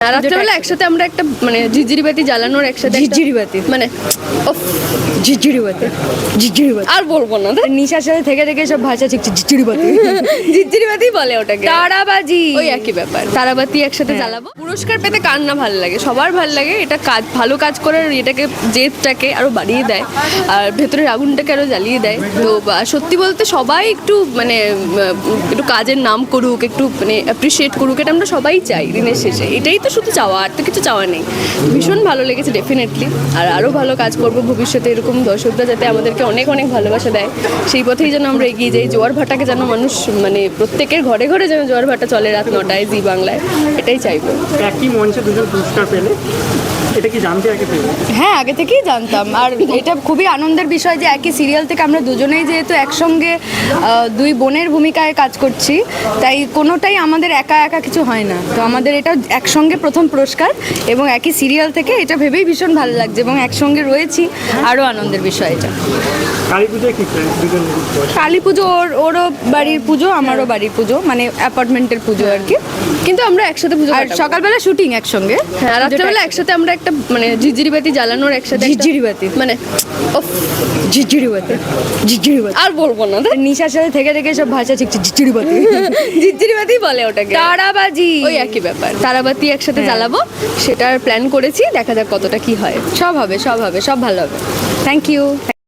রাত্রেবেলা একসাথে আমরা একটা মানে ঝিরঝিরি বাতি জ্বালানোর একসাথে ঝিরঝিরি বাতি মানে উফ, ঝিরঝিরি বাতি ঝিরঝিরি বাতি আর বলবো না নিশার সাথে থেকে থেকে সব ভাষা শিখছে ঝিরঝিরি বাতি ঝিরঝিরি বাতি বলে ওটাকে তারাবাজি ওই একই ব্যাপার তারাবাতি একসাথে জ্বালাবো পুরস্কার পেতে কার না ভালো লাগে সবার ভালো লাগে এটা কাজ ভালো কাজ করার এটাকে জেদটাকে আরো বাড়িয়ে দেয় আর ভেতরের আগুনটাকে আরো জ্বালিয়ে দেয় তো সত্যি বলতে সবাই একটু মানে একটু কাজের নাম করুক একটু মানে অ্যাপ্রিসিয়েট করুক এটা আমরা সবাই চাই দিনের শেষে এটাই তো শুধু চাওয়া আর তো কিছু চাওয়া নেই ভীষণ ভালো লেগেছে ডেফিনেটলি আর আরও ভালো কাজ করবো ভবিষ্যতে এরকম দর্শকরা যাতে আমাদেরকে অনেক অনেক ভালোবাসা দেয় সেই পথেই যেন আমরা এগিয়ে যাই জোয়ার ভাটাকে যেন মানুষ মানে প্রত্যেকের ঘরে ঘরে যেন জোয়ার ভাটা চলে রাত 9টায় জি বাংলায় এটাই চাইবো একই মঞ্চে দুজন পুরস্কার পেলে এটা কি জানতে আগে পেলে? হ্যাঁ আগে থেকেই জানতাম আর এটা খুবই আনন্দের বিষয় যে একই সিরিয়াল থেকে আমরা দুজনেই যেহেতু একসঙ্গে দুই বোনের ভূমিকায় কাজ করছি তাই কোনোটাই আমাদের একা একা কিছু হয় না তো আমাদের এটা একসঙ্গে প্রথম পুরস্কার এবং একই সিরিয়াল থেকে এটা ভেবেই ভীষণ ভালো লাগছে এবং একসঙ্গে রয়েছি আরও আনন্দের বিষয় এটা কালী পুজোয় কি প্ল্যান দুজন? কালী পুজো ওরও বাড়ির পুজো আমারও বাড়ির পুজো মানে অ্যাপার্টমেন্টের পুজো আর কি কিন্তু আমরা একসাথে পুজো আর সকালবেলা শুটিং একসঙ্গে হ্যাঁ রাত্রেবেলা একসাথে আমরা একটা মানে ঝিরঝিরি বাতি জ্বালানোর একসাথে ঝিরঝিরি বাতি মানে উফ, ঝিরঝিরি বাতি ঝিরঝিরি বাতি আর বলবো না নিশার সাথে থেকে থেকে সব ভাষা শিখছে ঝিরঝিরি বাতি ঝিরঝিরি বাতি বলে ওটাকে তারাবাজি ওই একই ব্যাপার তারাবাতি একসাথে জ্বালাবো সেটার প্ল্যান করেছি দেখা যাক কতটা কি হয় সব হবে সব হবে সব ভালো হবে থ্যাংক ইউ